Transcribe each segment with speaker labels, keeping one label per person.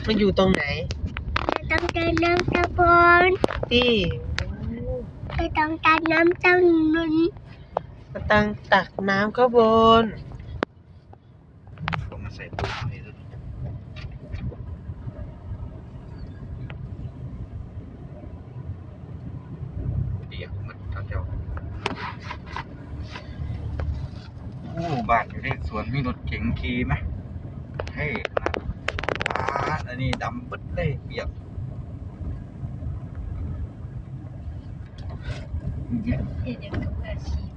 Speaker 1: มันอยู่ตรงไหน
Speaker 2: ต้องการน้ำตะบน
Speaker 1: ที่
Speaker 2: ต้องการน้ำเจ้าหนุน
Speaker 1: ตักน้ำข้างบน
Speaker 3: ผมมาใส่ตู้ให้ด้วยเดี๋ยวมันเจ้าบ้านอยู่ในสวนมีรถเก๋งขี่ไหมเฮ้ยอันนี้ดำปึ๊ดเลยเปียก
Speaker 2: เดี๋ยวกับอาชีพ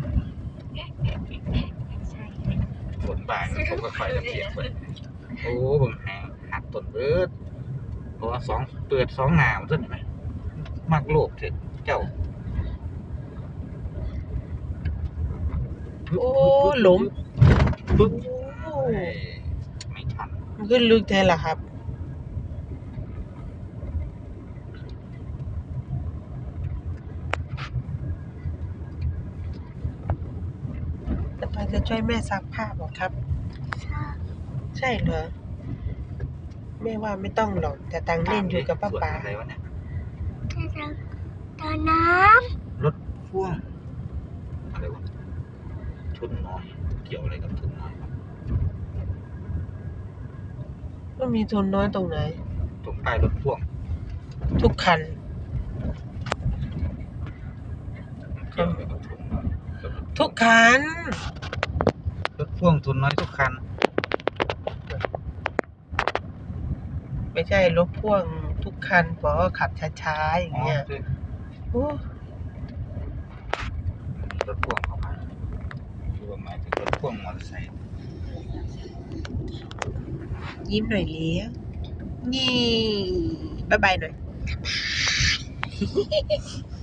Speaker 2: ใช่
Speaker 3: ฝนบ่ายผมก็คอยเปียกเลยโอ้ผมหักต้นเบิดเพราะว่าเปิด2หนาวขึ้นไหมมากโลกเถอะเจ้า
Speaker 1: โอ้หลุม
Speaker 3: ปึ๊บไม่ทัน
Speaker 1: มันขึ้นลึกแท้ล่ะครับแต่ไปจะช่วยแม่ซักผ้าบอกครับใช่เหรอแม่ว่าไม่ต้องหรอกแต่ตังเล่นอยู่กับป้าป๋า
Speaker 3: อะไรวะเนี่ย
Speaker 2: ตาน้
Speaker 3: รถพ่วงอะไรวะทุนน้อยเกี่ยวอะไรกับทุนน้อย
Speaker 1: มันมีทุนน้อยตรงไหน
Speaker 3: ตรงใต้รถพ่วง
Speaker 1: ทุกคัน
Speaker 3: เกี่ยวอะไรกับทุนน้อย
Speaker 1: ทุกคัน
Speaker 3: รถพ่วงทุนน้อยทุกคัน
Speaker 1: ไม่ใช่รถพ่วงทุกคันเพราะขับช้าๆอย่างเงี้ยโอ้
Speaker 3: รถพ่วงเข้ามาคือหมายถึงรถพ่วงมอเตอร์ไซค์
Speaker 1: ยิ้มหน่อยเลี้ยนี่บ๊ายบายหน่อย